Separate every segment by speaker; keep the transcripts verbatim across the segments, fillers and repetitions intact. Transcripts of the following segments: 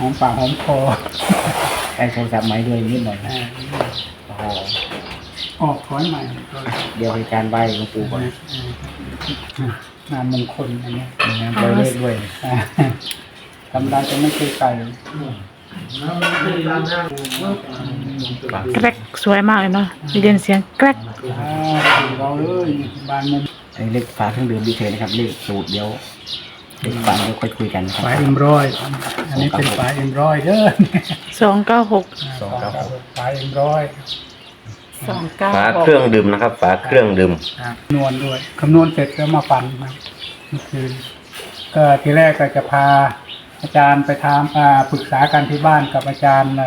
Speaker 1: อมปากหอมคอ
Speaker 2: ไอ้โทรศัพท์ไม้ด้วยนิดหน่อยนะโอ้โห
Speaker 1: ออกถอยใหม่
Speaker 2: เดี๋ยวให้การไหว้หลวงปู่ก่อน
Speaker 1: งานมงคลอันนี้
Speaker 2: งานใบเลขด้วย
Speaker 1: ทำได้จะไม่เคยใส่
Speaker 3: แกรกสวยมากเลยเนาะมีเด่นเสียงแกรก
Speaker 1: เราเลยบานมุม
Speaker 2: ไอ้เลขฝาเครื่องดื่มดีเทลนะครับเลขสูตรเดี๋ยวเลขฝาเดี๋ยวค่อยคุยกัน
Speaker 1: ฝาเอ็มร้อยอันนี้เป็นฝาเอ็มร้อยเด้อ
Speaker 3: สองเก้าหก
Speaker 2: สองเก้าหก
Speaker 1: ฝาเอ็มร้อย
Speaker 3: สองเก้า
Speaker 4: ฝาเครื่องดื่มนะครับฝาเครื่องดื่ม
Speaker 1: คำนวณด้วยคำนวณเสร็จก็มาฟันครับเมื่อคืนก็ทีแรกก็จะพาอาจารย์ไปทำปรึกษากันที่บ้านกับอาจารย์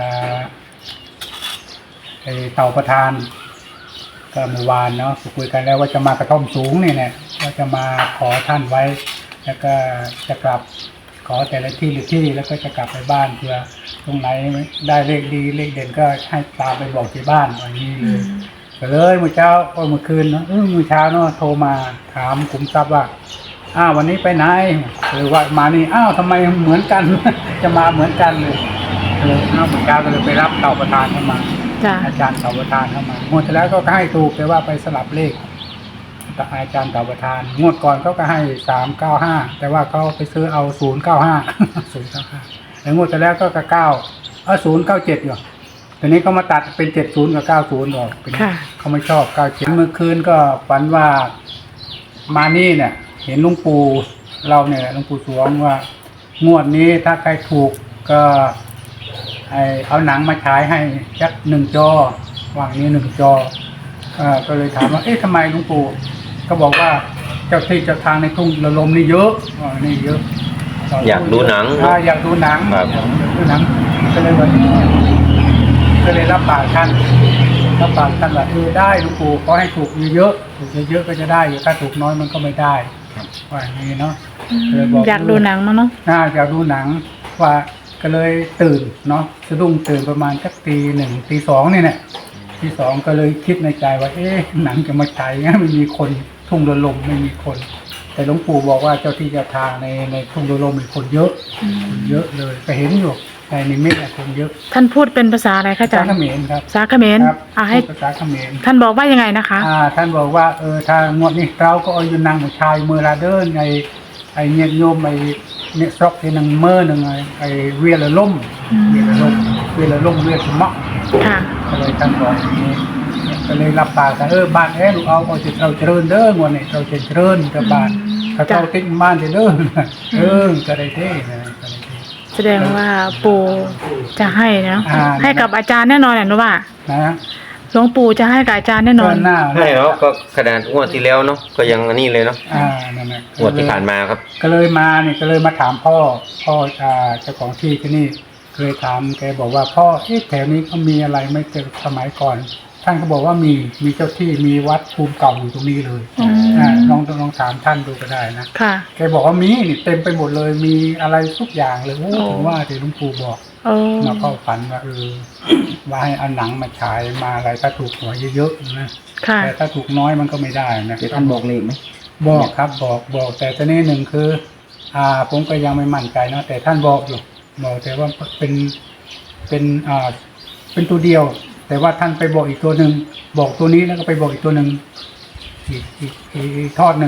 Speaker 1: ไอเต่าประธานก็เมื่อวานเนาะคุยกันแล้วว่าจะมากระท่อมสูงเนี่ยเนี่ยว่าจะมาขอท่านไว้แล้วก็จะกลับขอแต่ละที่หรือที่แล้วก็จะกลับไปบ้านเพื่อตรงไหนได้เลขดีเลขเด่นก็ให้ตามไปบอกที่บ้านวันนี้เลยก็เลยเมื่อเช้าเมื่อคืนเนาะเมื่อเช้าเนาะโทรมาถามขุมทรัพย์ว่าอ้าววันนี้ไปไหนหรือว่ามานี่อ้าวทำไมเหมือนกัน จะมาเหมือนกันเลยเลยอ้าวเมื่อเช้าก็เลยไปรับเต่าประธานเข้ามาอาจารย์เต่าประธานเข้ามางวดที่แล้วก็ให้ถูกแต่ว่าไปสลับเลขอาจารย์เต่าประธานงวดก่อนเขาก็ให้สามเก้าห้าแต่ว่าเขาไปซื้อเอาศูนย์เก้าห้าศูนย์เก้าห้าแล้วงวดที่แล้วก็กระเก้าเอาศูนย์เก้าเจ็ดอยู่ทีนี้เขามาตัดเป็นเจ็ดศูนย์กับเก้าศูนย์ออกเป็นเขาไม่ชอบเก้าเจ็ดเมื่อคืนก็ฝันว่ามานี่เนี่ยเห็นหลวงปู่เราเนี่ยหลวงปู่สวงว่างวดนี้ถ้าใครถูกก็ไอเอาหนังมาฉายให้จักหนึ่งจอวางนี้หนึ่งจอเออก็เลยถามว่าเอ๊ะทำไมหลวงปู่ก็บอกว่าเจ้าที่เจ้าทางในทุ่งระลมนี่เยอะอ๋อนี่เยอะ
Speaker 4: อยากดูหนัง
Speaker 1: อยากดูหนังอยากดูหนังก็เลยว่าก็เลยรับปากท่านรับปากท่านว่าเออได้หลวงปู่ขอให้ถูกเยอะถูกเยอะก็จะได้อยู่ถ้าถูกน้อยมันก็ไม่ได้ว่าอย่างนี้เนาะ
Speaker 3: อยากดูหนังมั้งเนาะ
Speaker 1: น่าอยากดูหนังว่าก็เลยตื่นเนาะสะดุ้งตื่นประมาณสักตีหนึ่งตีสองนี่แหละตีสองก็เลยคิดในใจว่าเอ๊ะหนังจะมาฉายงั้นไม่มีคนทุ่งระลมไม่มีคนแต่หลวงปู่บอกว่าเจ้าที่เจ้าทางในในทุ่งระลมมีคนเยอะเยอะเลยก็เห็นอยู่ในนิมิตคนเยอะ
Speaker 3: ท่านพูดเป็นภาษาอะไรคะอาจารย์
Speaker 1: ภาษาเขมรครับ
Speaker 3: ภาษาเขมรอ่าให้
Speaker 1: ภาษาเขมร
Speaker 3: ท่านบอกว่ายังไงนะคะ
Speaker 1: อ่าท่านบอกว่าเออถ้างวดนี้เราก็เอาอยู่นางผู้ชายเมื่อลาเดินไอไอเนียโยมไอเนี่ยซอกที่นางเมื่อหนึ่งไอไอเวียละล่มเวียละล่มเวียละล่มเวียสมะ
Speaker 3: ค่ะ
Speaker 1: ก็เลยท่านบอกอย่างนี้ก็เลยรับปากกันเออบ้านแอนเอาเอาจะเราเจริญเด้องวดนี้เราจะเจริญกับบ้านถ้าเราติ้งบ้านจะเด้อเออก็ได้เท่นะ
Speaker 3: แสดงว่าปู่จะให้นะให้กับอาจารย์แน่นอนแหละนะว่า
Speaker 1: นะ
Speaker 3: หลวงปู่จะให้กับอาจารย์แน่นอน
Speaker 4: ให้เนาะก็ขนาดงวดที่แล้วเนาะก็ยังอันนี้เลยเนาะ
Speaker 1: อ่านั่นแหละ
Speaker 4: งวดที่ผ่านมาครับ
Speaker 1: ก็เลยมาเนี่ยก็เลยมาถามพ่อพ่ออ่าเจ้าของที่ที่นี่เคยถามแกบอกว่าพ่อเอ๊ะแถวนี้เขามีอะไรไม่เจอสมัยก่อนท่านก็บอกว่ามีมีเจ้าที่มีวัดภูมิเก่าอยู่ตรงนี้เลยอ่าลองลองถามท่านดูก็ได้นะ
Speaker 3: ค่ะ
Speaker 1: แกบอกว่ามีนี่เต็มไปหมดเลยมีอะไรทุกอย่างเลยโอ้ถึงว่าที่หลวงปู่บอกมาเข้าฝันว่าเออว่าให้เอาหนังมาฉายมาอะไรถ้าถูกหวยเยอะๆนะแต่ถ้าถูกน้อยมันก็ไม่ได้นะ
Speaker 2: ท่านบอกเลขไหม
Speaker 1: บอกครับบอกบอกแต่ตอนนี้หนึ่งคืออ่าผมก็ยังไม่มั่นใจนะแต่ท่านบอกอยู่บอกแต่ว่าเป็นเป็นอ่าเป็นตัวเดียวแต่ว่าท่านไปบอกอีกตัวหนึ่งบอกตัวนี้แล้วก็ไปบอกอีกตัวหนึ่งอีกอีกอีกทอดหนึ่ง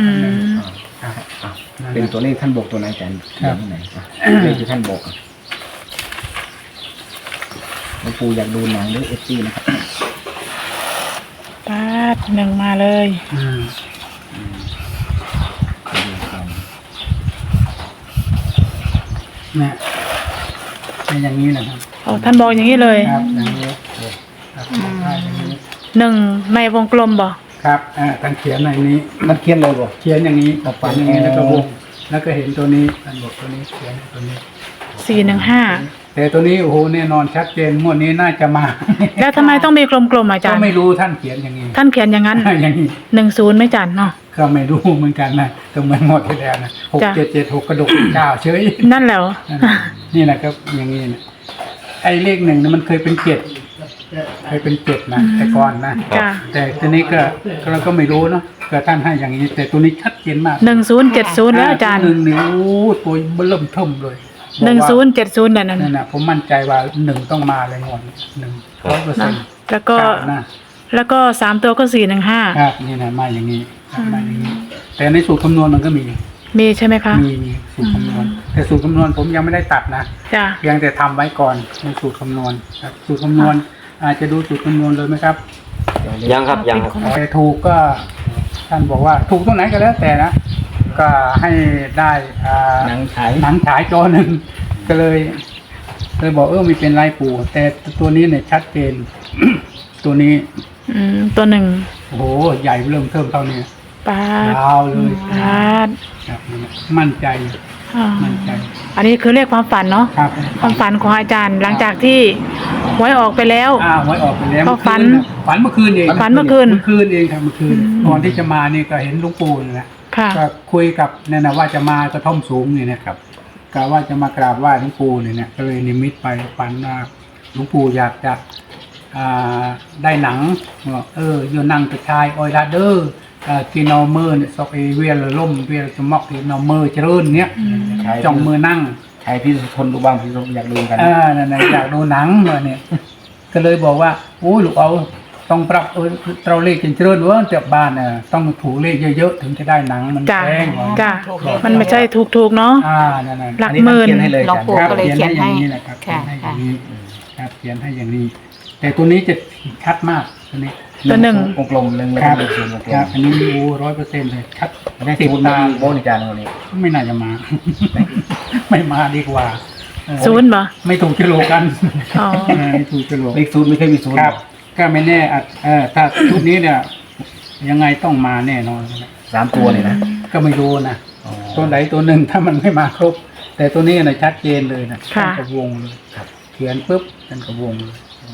Speaker 2: เป็นตัวเลขท่านบอกตัวไหนกันที่ไหนเลขที่ท่านบอกหลวงปู่อยากดูหนังหรือเอฟซีนะครับ
Speaker 3: ปาดหนึ่งมาเลย
Speaker 1: เนี่ยเป็นอย่างนี้นะครับ
Speaker 3: อ๋อท่านบอกอย่างนี้เลย
Speaker 1: ครับอย่างนี้
Speaker 3: หนึ่งในวงกลมบอก
Speaker 1: ครับอ่าท่านเขียนในนี้
Speaker 2: มันเขียนเลยบอก
Speaker 1: เขียนอย่างนี้ออกฝันอย่างนี้แล้วก็วงแล้วก็เห็นตัวนี้ท่านบอกตัวนี้เขียนตัวนี้
Speaker 3: สี่หนึ่งห้า
Speaker 1: แต่ตัวนี้โอ้โหแน่นอนชัดเจนงวดนี้น่าจะมา
Speaker 3: แล้วทำไมต้องมีกลมๆอาจารย์
Speaker 1: ก็ไม่รู้ท่านเขียนอย่างนี้
Speaker 3: ท่านเขียนอย่างนั้น
Speaker 1: อย่างนี้
Speaker 3: หนึ่งศูนย์ไม่จันเนาะ
Speaker 1: ก็ไม่รู้เหมือนกันนะก็เหมือนหมดที่แล้วนะหกเจ็ดเจ็ดหกกระดกเก้าเฉย
Speaker 3: นั่นแหละ
Speaker 1: นี่แหละครับอย่างนี้นะไอ้เลขหนึ่งนี่มันเคยเป็นเจ็ดเคยเป็นเจ็ดนะแต่ก่อนนะแต่ตัวนี้ก็เราก็ไม่รู้เนาะก็ท่านให้อย่างนี้แต่ตัวนี้ชัดเจนมาก
Speaker 3: หนึ่งศูนย์เจ็ดศูนย์แล้วอาจารย์
Speaker 1: หนึ่งนิ้วตัวเบิ่มเทิมเลย
Speaker 3: หนึ่งศูนย์เจ็ดศูนย์นั่น
Speaker 1: นั่น
Speaker 3: น่ะ
Speaker 1: นะผมมั่นใจว่าหนึ่งต้องมาเลยงวดหนึ่งร้อยเปอร์เซ็นต์
Speaker 3: แล้วก็
Speaker 1: นะ
Speaker 3: แล้วก็สามตัวก็สี่หนึ่งห้า
Speaker 1: ครับนี่นะมาอย่างนี้ครับมาอย่างนี้ แต่ในสูตรคำนวณมันก็มี
Speaker 3: มีใช่ไหมคะ
Speaker 1: มีมีสูตรคำนวณ แต่สูตรคำนวณผมยังไม่ได้ตัดนะ
Speaker 3: จ้ะ
Speaker 1: เพียงแต่ทำไว้ก่อนในสูตรคำนวณครับสูตรคำนวณอาจจะดูสูตรคำนวณเลยไหมครับ
Speaker 4: ยังครับยังครับ
Speaker 1: แต่ถูกก็ท่านบอกว่าถูกตรงไหนก็แล้วแต่นะ ก็ให้ได้อ่า
Speaker 2: หนังฉาย
Speaker 1: หนังฉายจอหนึ่งก็เลยเลยบอกเออไม่เป็นไรปู่แต่ตัวนี้เนี่ยชัดเจน ตัวนี้
Speaker 3: อืมตัวหนึ่ง
Speaker 1: โอ้โหใหญ่เริ่มเทิมเท่านี้
Speaker 3: ปาด
Speaker 1: ยาวเลย
Speaker 3: ปาด
Speaker 1: ครับมั่นใจ
Speaker 3: อ่า
Speaker 1: มั่นใจ
Speaker 3: อันนี้คือเลขความฝันเนาะ
Speaker 1: ครับ
Speaker 3: ความฝันของอาจารย์หลังจากที่หวยออกไปแล้ว
Speaker 1: อ้าวหวยออกไปแล้ว
Speaker 3: ก็ฝัน
Speaker 1: ฝันเมื่อคืนเอง
Speaker 3: ฝันเมื่อคืน
Speaker 1: เมื่อคืนเองครับเมื่อคืน
Speaker 3: อืม
Speaker 1: ก่อนที่จะมานี่ก็เห็นหลุงปู่นี่แหละ
Speaker 3: ค่ะ
Speaker 1: ก็คุยกับเนี่ยนะว่าจะมากระท่อมสูงนี่นะครับกะว่าจะมากราบไหว้หลวงปู่นี่เนี่ยก็เลยนิมิตไปฝันว่าหลวงปู่อยากจะอ่าได้หนังว่าเออโยนั่งกระชายออยลาเดอร์กินเอามือเนี่ยซอกเอเวียลล่มเวียลจะมอกกินเอามือเจริญเนี่ย
Speaker 3: อืม
Speaker 1: จ้องมือนั่ง
Speaker 2: ใครพี่ทนดูบ้างพี่อยากดูกัน
Speaker 1: อ่านั่นน่ะอยากดูหนังมาเนี่ย ก็เลยบอกว่าโอ้ยลูกเอาต้องปรับเออเราเลขจนเจริญเว่าเจ็บบ้านน่ะต้องถูกเลขเยอะๆถึงจะได้หนังมัน
Speaker 3: จ้ะ
Speaker 1: แพงกว่า
Speaker 3: จ้ะมันไม่ใช่ถูกๆเนาะ
Speaker 1: อ่านั่นน่ะ
Speaker 3: หลัก
Speaker 2: อันนี้
Speaker 3: หมื่น
Speaker 2: เขียนให้เลย
Speaker 5: หลวงปู่
Speaker 1: ครับ
Speaker 5: ก็เลยเขียนให้
Speaker 1: อย่างนี้นะครับเขีย
Speaker 5: ค่ะ
Speaker 1: นให้อ
Speaker 5: ค่ะ
Speaker 1: ย่างนี้ครับเขียนให้อย่างนี้ แต่ตัวนี้จะชัดมากตัวนี้
Speaker 3: ตัวหนึ่ง
Speaker 2: กลมๆเล็งๆ
Speaker 1: ครับ
Speaker 2: เลขศูนย์วงกล
Speaker 1: ครับ
Speaker 2: ม
Speaker 1: อันนี้โอ้ร้อยเปอร์เซ็นต์เลยชัด
Speaker 2: ได้
Speaker 1: ติด
Speaker 2: ศูนย์
Speaker 1: ตา
Speaker 2: มีโบนิจานวันนี้
Speaker 1: ไม่น่าจะมา ไม่มาดีกว่าเออ
Speaker 3: ศูนย์บ่
Speaker 1: ไม่ถูกกิโลกัน
Speaker 3: อ๋อ
Speaker 1: เออไม่ถูกกิโล
Speaker 2: เลขศูนย์ไม่เคยมีศูนย์
Speaker 1: ครับ ก็ไม่แน่อาจเออถ้าชุดนี้เนี่ย ยังไงต้องมาแน่นอนนะ
Speaker 2: สามตัวเนี่ยนะ
Speaker 1: ก็ไม่รู้นะ
Speaker 2: อ๋อ
Speaker 1: ตัวไหนตัวหนึ่งถ้ามันไม่มาครบ แต่ตัวนี้นะชัดเจนเลยนะ
Speaker 3: ค่ะ
Speaker 1: ท่านกระวงเลยเขียนปุ๊บท่านกระวงเลย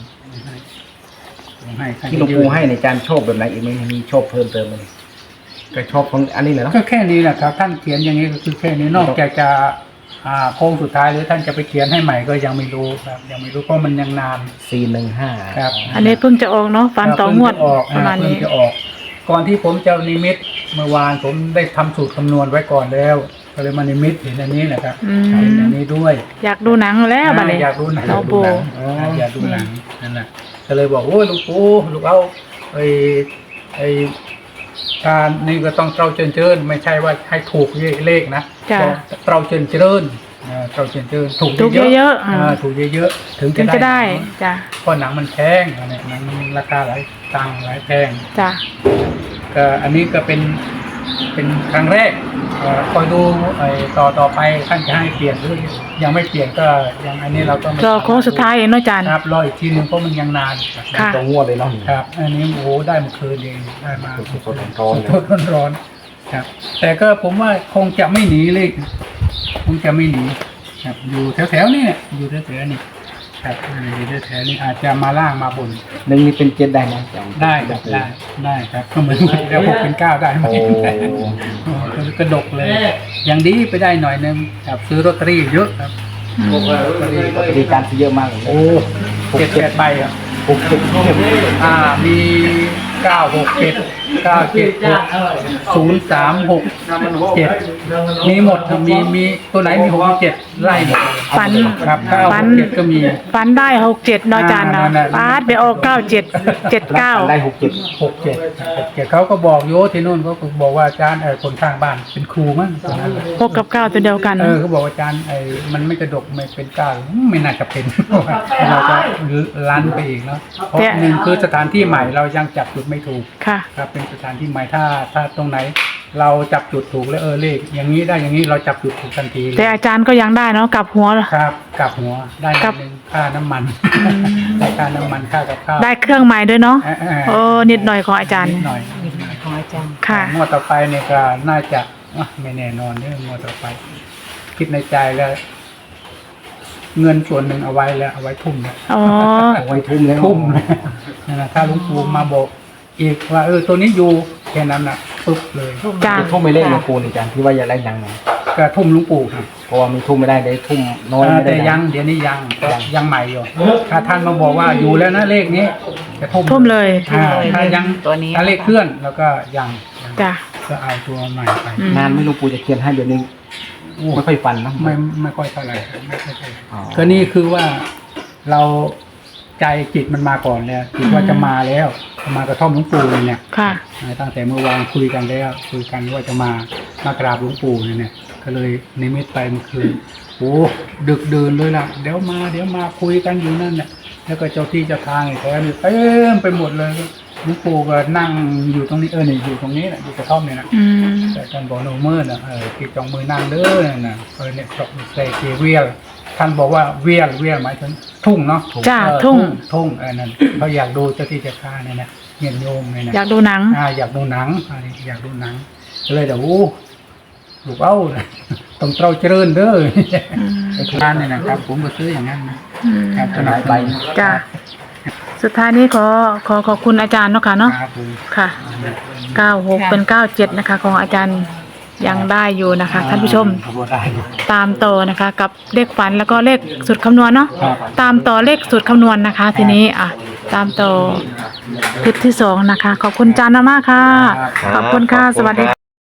Speaker 1: ให้ให้
Speaker 2: ที่หลวงปู่ให้ในการโชคแบบไหนอีกไหมมีโชคเพิ่มเติมไหมก็โชคของอันนี้เหรอเนาะ
Speaker 1: ก็แค่นี้แหละครับ ท่านเขียนอย่างนี้ก็คือแค่นี้นอกจากจะอ่าโค้งสุดท้ายหรือท่านจะไปเขียนให้ใหม่ก็ยังไม่รู้ครับ ยังไม่รู้เพราะมันยังนาน
Speaker 2: สี่หนึ่งห้า
Speaker 1: ครับ
Speaker 3: อันนี้เพิ่งจะออกเนาะฝันต่องวด
Speaker 1: เพิ่งจะออก
Speaker 3: ประมาณ
Speaker 1: เพิ่ง
Speaker 3: นี้
Speaker 1: จะออก ก่อนที่ผมจะนิมิตเมื่อวานผมได้ทำสูตรคำนวณไว้ก่อนแล้ว ก็เลยมานิมิตเห็นอันนี้แหละครับ
Speaker 3: อืม
Speaker 1: เห็นอันนี้ด้วย
Speaker 3: อยากดูหนังแล้วบัดนี้
Speaker 1: อยากดูหนัง
Speaker 3: หลวงปู่
Speaker 1: อ๋ออยากดูหนังนั่นแหละก็เลยบอกโอ้ยหลูกปู่ลูกเอาไอ้ไอ้การนี่ก็ต้องเตราเจริญเจริญไม่ใช่ว่าให้ถูกเลขนะ
Speaker 3: จ้ะ
Speaker 1: ต้องเตราเจริญเจริญเออเตราเจริญเจริญถูก
Speaker 3: ถูกเยอะๆ
Speaker 1: ๆ
Speaker 3: อ่า
Speaker 1: อ่าถูกเยอะๆถึง
Speaker 3: ถึงจะได้
Speaker 1: หนัง
Speaker 3: จ้ะ
Speaker 1: เพราะหนังมันแพงอันนี้หนังราคาหลายตังค์หลายแพง
Speaker 3: จ้ะ
Speaker 1: ก็อันนี้ก็เป็นเป็นครั้งแรกเอ่อคอยดูไอ้ต่อต่อไปท่านจะให้เปลี่ยนหรือยังไม่เปลี่ยนก็ยังอันนี้เราก็ไม่
Speaker 3: รอโค้งสุดท้ายเองเนาะอาจารย์
Speaker 1: ครับรออีกทีหนึงเพราะมันยังนาน
Speaker 3: ค่ะ
Speaker 2: ตรงงวดเลยเนาะ
Speaker 1: ครับ อันนี้โอ้โหได้เมื่อคืนเองได้มา
Speaker 2: สดๆร้อนๆเลย
Speaker 1: สดๆร้อนๆครับ แต่ก็ผมว่าคงจะไม่หนีเลยคงจะไม่หนีครับอยู่แถวๆนี่เนี่ยอยู่แถวๆนี่ครับอยู่แถวๆนี่อาจจะมาล่างมาบน
Speaker 2: หนึ่งนี่เป็นเจ็ดได้ไหม
Speaker 1: ได้ครับได้ได้ครับก็เหมือนแล้วหกเป็นเก้าได้ไหม
Speaker 2: โอ้
Speaker 1: โอ้กระดกเลย อย่างดีไปได้หน่อยนึงครับซื้อลอตเตอรี่เยอะครับ
Speaker 3: อืม
Speaker 1: ลอตเตอรี่
Speaker 2: ปฏิการซื้อเยอะมากเลย
Speaker 1: โอ้เจ็ดแปดใบครับ
Speaker 2: หกเจ็ดเข้ม
Speaker 1: อ่ามีเก้าหกเจ็ดเก้าเจ็ดหกศูนย์สามหกเจ็ดมีหมดครับมีมีตัวไหนมีหกมีเจ็ดไล่หมด
Speaker 3: ฝัน
Speaker 1: ครับเก้าห
Speaker 3: ฝั
Speaker 1: ก
Speaker 3: น
Speaker 1: เจ็ดก็มี
Speaker 3: ฝันได้หกเจ็ดเนาะอาจารย์เนาะ
Speaker 1: อ่านั่นแหละ
Speaker 3: ปาดไปออกเก้าเจ็ดเจ็ดเก้า
Speaker 2: ได้หกเจ็ด
Speaker 1: หกเจ็ดหกเจ็ดเขาก็บอกโยที่นู่นเขาก็บอกว่าอาจารย์เออคนข้างบ้านเป็นครูมั้งตอนนั้น
Speaker 3: หกกับเก้าตัวเดียวกัน
Speaker 1: เออเขาบอกว่าอาจารย์ไอ้มันไม่กระดกไม่เป็นก้าวไม่น่าจะเป็น เราจะลันไปอีกเนาะเพราะ
Speaker 3: แต่
Speaker 1: หนึ่งคือสถานที่ใหม่เรายังจับจุดไม่ถูก
Speaker 3: ค่ะ
Speaker 1: ครับเป็นสถานที่ใหม่ถ้าถ้าตรงไหน เราจับจุดถูกแล้วเออเลขอย่างนี้ได้อย่างนี้เราจับจุดถูกทันทีเลย
Speaker 3: แต่อาจารย์ก็ยังได้เนาะกลับหัว
Speaker 1: ครับกลับหัวได้
Speaker 3: กลับ
Speaker 1: หนึ่งค่าน้ำมัน ได้ค่าน้ำมันค่ากับข้าว
Speaker 3: ได้เครื่องใหม่ด้วยเนาะ
Speaker 1: เออเออ
Speaker 3: โอ้นิดหน่อยของอาจารย์
Speaker 1: นิดหน่อย
Speaker 5: ของอาจารย์
Speaker 3: ค่ะ
Speaker 1: งวดต่อไปเนี่ยก็น่าจะอ่ะไม่แน่นอนเนี่ยงวดต่อไป คิดในใจแล้ว เงินส่วนหนึ่งเอาไว้แล้วเอาไว้ทุ่มแล้ว
Speaker 3: อ๋อ
Speaker 2: เอาไว้ทุ่มแล้ว
Speaker 1: ทุ่มเลยนั่นแหละถ้าหลุงปู่มาบอกอีกว่าเออตัวนี้อยู่แค่นั้นนะปุ๊บเลย
Speaker 3: จ้า
Speaker 2: จะทุ่มไม่เล่นหลวงปู่นี่อาจารย์ที่ว่าอยากได้ยังไง
Speaker 1: ก็ทุ่มหลุงปู่ครับ
Speaker 2: เพราะว่ามีทุ่มไม่ได้ได้ทุ่มน้อย
Speaker 1: เออ
Speaker 2: ไม่ได้
Speaker 1: แต่ยังเดี๋ยวนี้ยังก็ยังใหม่อยู่ถ้าท่านมาบอกว่าอยู่แล้วนะเลขนี้จะทุ่ม
Speaker 3: ทุ่มเลย
Speaker 1: อ่าถ้ายัง
Speaker 5: ตัวนี้
Speaker 1: ถ้าเลขเคลื่อนแล้วก็ยังยัง
Speaker 3: จ้า
Speaker 1: ก็เอาตัวใหม่ไป
Speaker 3: อืม
Speaker 2: นานไม่หลวงปู่จะเขียนให้เดี๋ยวนี้
Speaker 1: โอ้
Speaker 2: ไม่ค่อยฟันเนาะ
Speaker 1: ไม่ไม่ค่อยเท่าไหร่ไม่ค่อยเท่าไหร่
Speaker 2: อ๋อ
Speaker 1: ก็นี่คือว่าเราใจจิตมันมาก่อนเนี่ยคิดว่าจะมาแล้วจะมากระท่อมหลวงปู่เนี่ย
Speaker 3: ค่ะ
Speaker 1: ตั้งแต่เมื่อวานคุยกันแล้วคุยกันว่าจะมามากราบหลวงปู่เนี่ยเนี่ยก็เลยนิมิตไปเมื่อคืนโอ้ดึกเดินเลยล่ะเดี๋ยวมาเดี๋ยวมาคุยกันอยู่นั่นเนี่ยแล้วก็เจ้าที่เจ้าทางไอ้แท้นี่เต็มไปหมดเลยหลวงปู่ก็นั่งอยู่ตรงนี้เออเนี่ยอยู่ตรงนี้แหละอยู่กระท่อมเนี่ยนะ
Speaker 3: อืม
Speaker 1: แต่ท่านบอกโนเมื่อนะเออที่จองมือนั่งเด้อน่ะนะเออเนี่ยตกใส่เกเวียลท่านบอกว่าเวียลเวียลหมายถึงทุ่งเนาะ
Speaker 3: จ้า
Speaker 1: เออ
Speaker 3: ทุ่ง
Speaker 1: ทุ่งเออนั่นเขาอยากดูเจ้าที่เจ้าทางเนี่ยนะเงียนโยมเนี่ยนะ
Speaker 3: อยากดูหนัง
Speaker 1: อ่าอยากดูหนังอ่าอยากดูหนังก็เลยเดี๋ยวโอ้ลูกเอ้า ต้องเต้าเจริญเด้อ
Speaker 3: อืม
Speaker 1: ไอ้ร้านเนี่ยนะครับ ผมก็ซื้ออย่างนั้นนะ
Speaker 3: อืม
Speaker 1: ครับขนาดใบ
Speaker 3: จ้าสุดท้ายนี้ขอขอขอบคุณอาจารย์เนาะค่ะเนาะ
Speaker 1: ครับผม
Speaker 3: ค่ะเก้าหกเป็นเก้าเจ็ดนะคะ ของอาจารย์ยังได้อยู่นะคะท่านผู้ชม
Speaker 1: ขบวนได้อยู่
Speaker 3: ตามต่อนะคะ กับเลขฝันแล้วก็เลขสูตรคำนวณเนาะ
Speaker 1: ครับ
Speaker 3: ตามต่อเลขสูตรคำนวณนะคะ ทีนี้อ่ะตามต่อคลิปที่สองนะคะ ขอบคุณอาจารย์มากๆค่ะ
Speaker 1: ครับ
Speaker 3: ขอบคุณค่ะ สวัสดีค่ะ